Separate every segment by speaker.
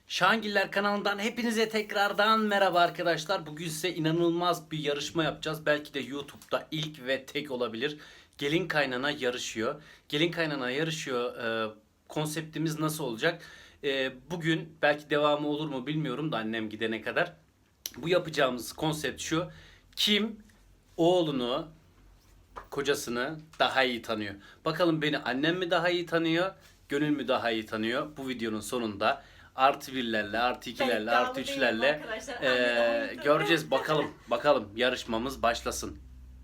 Speaker 1: Şahangiller kanalından hepinize tekrardan merhaba arkadaşlar. Bugün size inanılmaz bir yarışma yapacağız. Belki de YouTube'da ilk ve tek olabilir. Gelin kaynana yarışıyor. Gelin kaynana yarışıyor. Konseptimiz nasıl olacak? Bugün belki devamı olur mu bilmiyorum da annem gidene kadar. Bu yapacağımız konsept şu. Kim oğlunu, kocasını daha iyi tanıyor? Bakalım beni annem mi daha iyi tanıyor, Gönül mü daha iyi tanıyor? Bu videonun sonunda artı birlerle, artı ikilerle, artı üçlerle göreceğiz. Bakalım yarışmamız başlasın.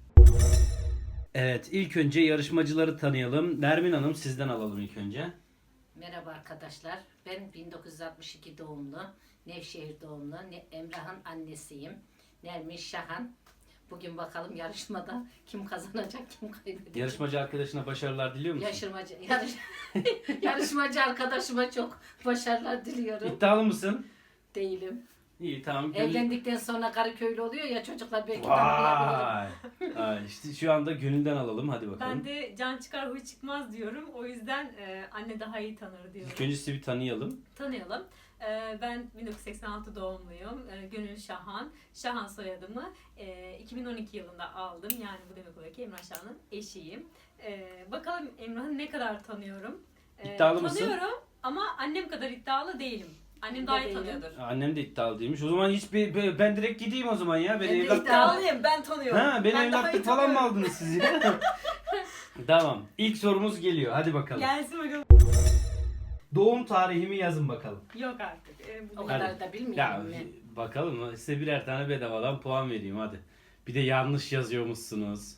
Speaker 1: Evet, ilk önce yarışmacıları tanıyalım. Nermin Hanım, sizden alalım ilk önce.
Speaker 2: Merhaba arkadaşlar. Ben 1962 doğumlu, Nevşehir doğumlu, Emrah'ın annesiyim. Nermin Şahan. Bugün bakalım yarışmada kim kazanacak, kim kaybedecek.
Speaker 1: Yarışmacı arkadaşına başarılar diliyor musun?
Speaker 2: Yarışmacı arkadaşıma çok başarılar diliyorum.
Speaker 1: İddialı mısın?
Speaker 2: Değilim.
Speaker 1: İyi, tamam.
Speaker 2: Evlendikten sonra karı köylü oluyor ya, çocuklar belki tanımayabilirim.
Speaker 1: Vay. İşte şu anda Gönül'den alalım. Hadi bakalım.
Speaker 3: Ben de can çıkar huy çıkmaz diyorum. O yüzden anne daha iyi tanır diyorum.
Speaker 1: İlk önce sizi bir tanıyalım.
Speaker 3: Tanıyalım. Ben 1986 doğumluyum. Gönül Şahan. Şahan soyadımı 2012 yılında aldım. Yani bu demek oluyor ki Emrah Şahan'ın eşiyim. Bakalım Emrah'ı ne kadar tanıyorum.
Speaker 1: İddialı mısın?
Speaker 3: Tanıyorum ama annem kadar iddialı değilim. Annem daha iyi tanıyordur.
Speaker 1: Annem de iddialı değilmiş. O zaman ben direkt gideyim o zaman ya.
Speaker 2: Ben de
Speaker 1: evlatlık-
Speaker 3: İddialıyım, ben tanıyorum.
Speaker 1: Ha, beni
Speaker 3: Ben daha iyi
Speaker 1: evlatlık falan mı
Speaker 3: tanıyorum.
Speaker 1: aldınız siz ya? Tamam. İlk sorumuz geliyor. Hadi bakalım.
Speaker 3: Gelsin bakalım.
Speaker 1: Doğum tarihimi yazın bakalım.
Speaker 3: Yok artık.
Speaker 2: O
Speaker 3: Bu
Speaker 2: kadar
Speaker 1: Hadi.
Speaker 2: da
Speaker 1: Ya
Speaker 2: bilmiyorum ben.
Speaker 1: bakalım, size birer tane bedavadan puan vereyim hadi. Bir de yanlış yazıyormuşsunuz.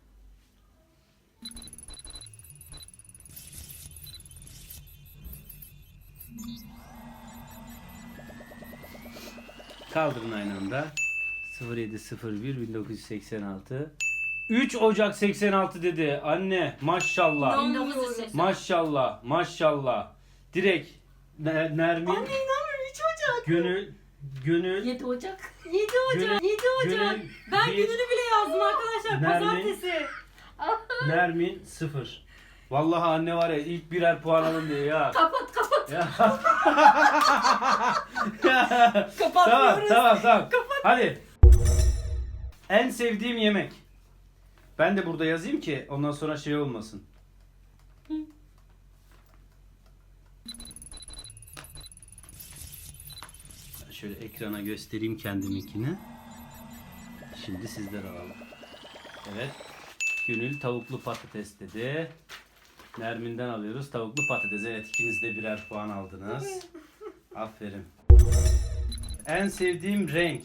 Speaker 1: Kaldırın aynı anda. 0701 1986. 3 Ocak 86 dedi. Anne maşallah.
Speaker 2: 1980.
Speaker 1: Maşallah. Maşallah. Direkt Nermin.
Speaker 3: Anne inanmıyorum, 3 Ocak.
Speaker 1: Gönül
Speaker 2: 7 Ocak.
Speaker 3: 7 Ocak. 7 Ocak.
Speaker 1: Gönül
Speaker 3: Ben
Speaker 1: bir,
Speaker 3: gününü bile yazdım arkadaşlar.
Speaker 1: Nermin.
Speaker 3: Pazartesi.
Speaker 1: Nermin 0. Vallahi anne var ya, ilk birer puan alın diyor ya.
Speaker 2: Kapat.
Speaker 1: Ya.
Speaker 3: Kapatmıyoruz.
Speaker 1: Tamam. Hadi. En sevdiğim yemek. Ben de burada yazayım ki ondan sonra şey olmasın. Şöyle ekrana göstereyim kendiminkini. Şimdi sizler alalım. Evet. Gönül tavuklu patates dedi. Nermin'den alıyoruz tavuklu patates. Evet, ikiniz de birer puan aldınız. Aferin. En sevdiğim renk.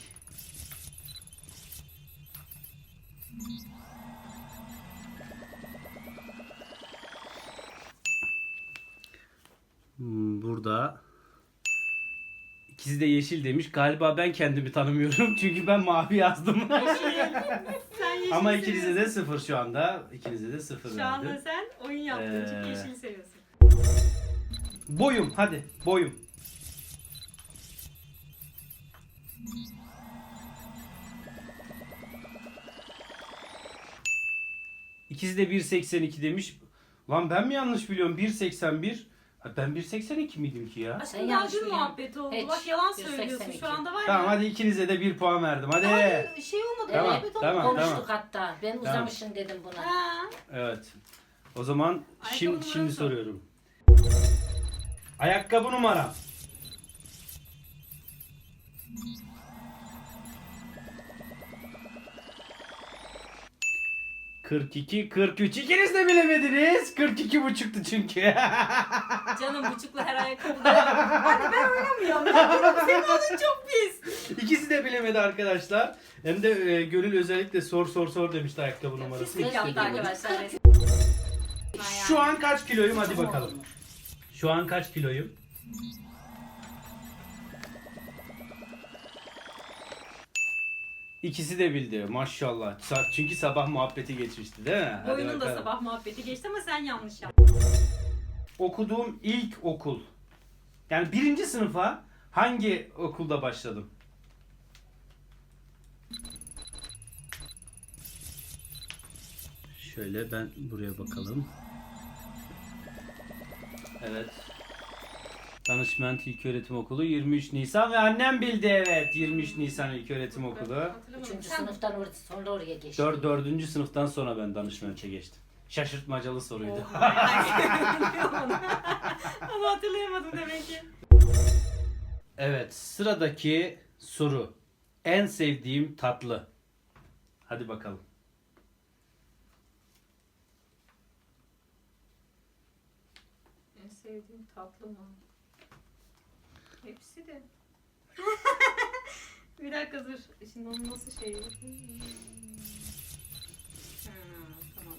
Speaker 1: Burada ikisi de yeşil demiş. Galiba ben kendimi tanımıyorum çünkü ben mavi yazdım.
Speaker 3: Sen yeşil
Speaker 1: Ama
Speaker 3: seviyorsun.
Speaker 1: ikinize de 0 şu anda. İkinize de 0
Speaker 3: Şu anda
Speaker 1: verdim.
Speaker 3: sen oyun yaptığın için
Speaker 1: Ee,
Speaker 3: yeşili seviyorsun.
Speaker 1: Boyum, hadi boyum. İkisi de 1.82 demiş. Lan ben mi yanlış biliyorum? 1.81. Ha, ben 1.82 miydim ki ya?
Speaker 2: Sen
Speaker 3: Aşkım
Speaker 2: yanlış
Speaker 3: dün
Speaker 2: biliyorsun.
Speaker 3: muhabbet oldu.
Speaker 2: Hiç.
Speaker 3: Bak yalan
Speaker 2: 182.
Speaker 3: söylüyorsun. Şu anda var ya.
Speaker 1: Tamam, hadi ikinize de 1 puan verdim. Hadi.
Speaker 3: Hayır, şey olmadı.
Speaker 1: Tamam,
Speaker 3: muhabbet olmadı.
Speaker 1: tamam.
Speaker 2: Konuştuk hatta. Ben uzamışım dedim buna.
Speaker 3: Ha.
Speaker 1: Evet. O zaman
Speaker 3: Ayakkabı
Speaker 1: şimdi
Speaker 3: numarası.
Speaker 1: soruyorum. Ayakkabı numaram. ...42, 43. İkiniz de bilemediniz. 42 buçuktu çünkü.
Speaker 3: Canım buçuklu her ayakkabıda. Hadi ben oynamıyorum. Ben senin adın çok pis.
Speaker 1: İkisi de bilemedi arkadaşlar. Hem de Gönül özellikle sor demişti ayakkabı numarası.
Speaker 3: Pislik
Speaker 1: İkisi de
Speaker 3: yaptı
Speaker 1: bilemedi.
Speaker 2: Arkadaşlar.
Speaker 1: Şu an kaç kiloyum? Hadi bakalım. Şu an kaç kiloyum? İkisi de bildi maşallah. Çünkü sabah muhabbeti geçmişti değil mi? Hadi
Speaker 3: Boyunun da
Speaker 1: bakalım.
Speaker 3: sabah muhabbeti geçti ama sen yanlış yaptın.
Speaker 1: Okuduğum ilk okul. Yani 1. sınıfa hangi okulda başladım? Şöyle ben buraya bakalım. Evet. Danışment İlköğretim Okulu 23 Nisan ve annem bildi, evet, 23 Nisan İlköğretim Okulu.
Speaker 3: Hatırlamadım.
Speaker 2: 3. sınıftan sonra oraya geçti.
Speaker 1: 4. sınıftan sonra ben danışmente geçtim. Şaşırtmacalı soruydu.
Speaker 3: Ama hatırlayamadım demek ki.
Speaker 1: Evet, sıradaki soru. En sevdiğim tatlı. Hadi bakalım.
Speaker 3: En sevdiğim tatlı mı? Hepsi de. Bir dakika dur. Şimdi onun nasıl şeyi? Tamam.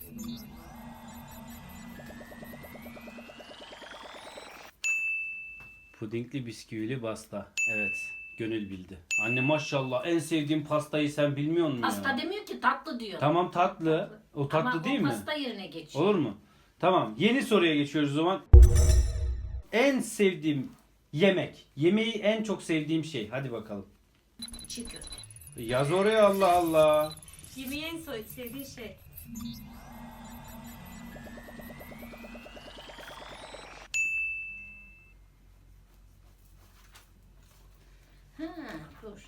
Speaker 1: Pudingli bisküvili pasta. Evet, Gönül bildi. Anne maşallah, en sevdiğim pastayı sen bilmiyor musun
Speaker 2: Pasta
Speaker 1: ya?
Speaker 2: demiyor ki, tatlı diyor.
Speaker 1: Tamam, tatlı. O tatlı
Speaker 2: Ama
Speaker 1: değil
Speaker 2: o
Speaker 1: mi?
Speaker 2: pasta yerine geçiyor.
Speaker 1: Olur mu? Tamam. Yeni soruya geçiyoruz o zaman. En sevdiğim yemek. Yemeği en çok sevdiğim şey. Hadi bakalım.
Speaker 2: Çiğ köfte.
Speaker 1: Yaz oraya, Allah Allah.
Speaker 3: Yemeği en sevdiği şey.
Speaker 2: Ha, dur.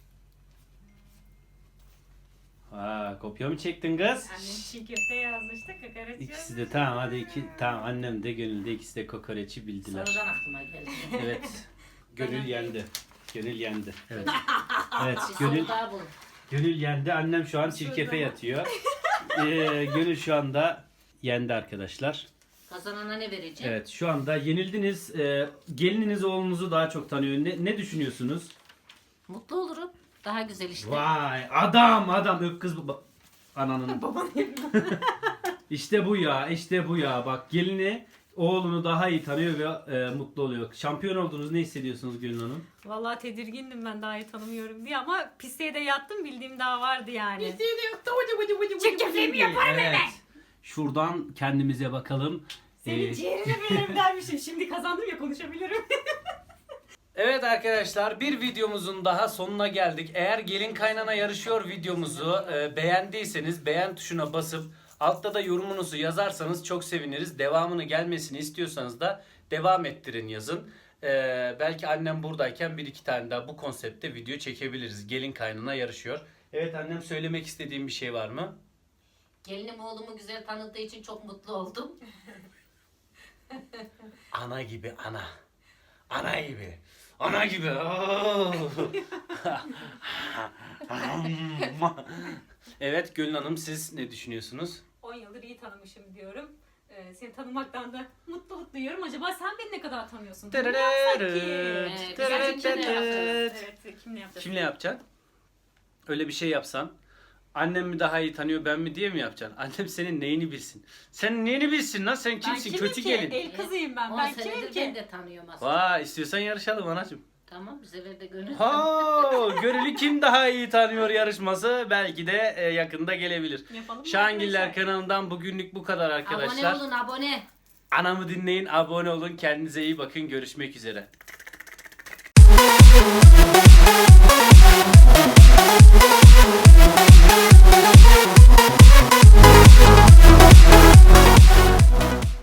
Speaker 1: Ha, kopya mı çektin kız?
Speaker 3: Annem çiğ köfte yazmıştı, kokoreç
Speaker 1: İkisi de tamam, hadi tamam, annem de Gönül de ikisi de kokoreçi bildiler.
Speaker 2: Sonradan aklıma geldi.
Speaker 1: Evet. Gönül yendi. Gönül yendi. Evet. Evet,
Speaker 2: Bir
Speaker 1: Gönül
Speaker 2: soru daha bul.
Speaker 1: Gönül yendi. Annem şu an çirkefe yatıyor. Gönül şu anda yendi arkadaşlar.
Speaker 2: Kazanana ne vereceğim?
Speaker 1: Evet, şu anda yenildiniz. Gelininiz oğlunuzu daha çok tanıyor. Ne düşünüyorsunuz?
Speaker 2: Mutlu olurum. Daha güzel işte.
Speaker 1: Vay, adam öp kız ananın. İşte bu ya, işte bu ya. Bak, gelini oğlunu daha iyi tanıyor ve mutlu oluyor. Şampiyon oldunuz, ne hissediyorsunuz Gönül Hanım?
Speaker 3: Vallahi tedirgindim ben, daha iyi tanımıyorum diye, ama pisliğe de yattım, bildiğim daha vardı yani.
Speaker 2: Çiğ köfteyi mi yaparım
Speaker 1: Evet. Şuradan kendimize bakalım.
Speaker 3: Senin ciğerine benim dermişim. Şimdi kazandım ya, konuşabilirim.
Speaker 1: Evet arkadaşlar, bir videomuzun daha sonuna geldik. Eğer gelin kaynana yarışıyor videomuzu beğendiyseniz beğen tuşuna basıp altta da yorumunuzu yazarsanız çok seviniriz. Devamını gelmesini istiyorsanız da devam ettirin yazın. Belki annem buradayken bir iki tane daha bu konseptte video çekebiliriz. Gelin kaynana yarışıyor. Evet annem, söylemek istediğim bir şey var mı?
Speaker 2: Gelinim oğlumu güzel tanıdığı için çok mutlu oldum.
Speaker 1: Ana gibi ana. Ana gibi. Ana gibi. Oo. Evet Gülün Hanım, siz ne düşünüyorsunuz?
Speaker 3: 10 yıldır iyi tanımışım diyorum. Seni tanımaktan da mutluluk duyuyorum. Acaba sen beni ne kadar tanıyorsun? Bunu yapsak ki.
Speaker 2: Güzel kimle yapacağız?
Speaker 3: Evet, kimle yapacağız?
Speaker 1: Kimle yapacaksın? Öyle bir şey yapsan. Annem mi daha iyi tanıyor, ben mi diye mi yapacaksın? Annem senin neyini bilsin? Sen neyini bilsin lan? Sen
Speaker 3: Ben
Speaker 1: kimsin?
Speaker 3: kimim
Speaker 1: Kötü
Speaker 3: ki?
Speaker 1: gelin.
Speaker 3: El kızıyım ben.
Speaker 2: 10
Speaker 3: Ben kimim
Speaker 2: senedir
Speaker 3: ki?
Speaker 2: ben de tanıyorum aslında.
Speaker 1: Vay, istiyorsan yarışalım anacığım.
Speaker 2: Tamam, bu sefer de gönül.
Speaker 1: Ha, Gönül'ü kim daha iyi tanıyor yarışması belki de yakında gelebilir.
Speaker 3: Yapalım mı
Speaker 1: Şahangiller
Speaker 3: arkadaşlar?
Speaker 1: kanalından bugünlük bu kadar arkadaşlar.
Speaker 2: Abone olun, abone.
Speaker 1: Anamı dinleyin, abone olun. Kendinize iyi bakın. Görüşmek üzere.